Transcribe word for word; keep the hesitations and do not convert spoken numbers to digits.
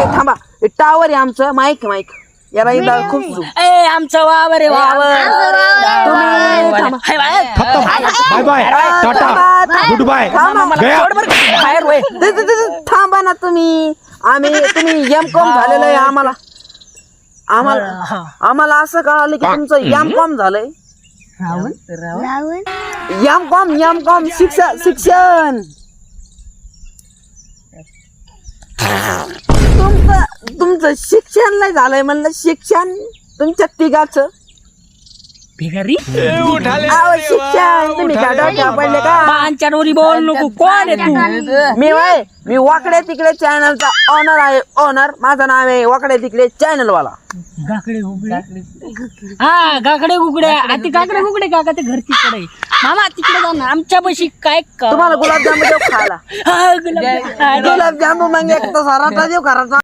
थांबा टावर आहे आमचं माईक माईक याला इथं खूप ए आमचं वावर आहे वावर तुम्ही थांबा. Hi bye. Bye bye tata good bye थांबा. गया सोड बरं का. बाहेर वय. द- द- द- थांबा ना तुम्ही आम्ही तुम्ही एम कॉम झालेलं आहे आम्हाला आम्हाला आम्हाला असं कळालं की तुमचं एम कॉम झालंय एम कॉम एम कॉम शिक्षण शिक्षण तुमचं तुमचं शिक्षण नाही झालंय म्हणलं शिक्षण तुमच्या तिघाचं भिकारी अहो, शिक्षण तुम्ही का डोक्यावर पडले का पांच्या डोरी बोल नको कोण आहे तू मी वय मी वाकडे तिकडे चॅनलचा ऑनर आहे ऑनर माझं नाव आहे वाकडे तिकडे चॅनल वाला गाकडे गुकडे हा गाकडे गुकडे ती गाकडे गुकडे काका ते घर तिकडे आहे. मामा तिकडे जा ना आमच्या पशी काय का तुम्हाला गुलाबजामुन देऊ खायला हा, गुलाब- गुलाबजामुन मग एक तर सराटा देऊ घराचा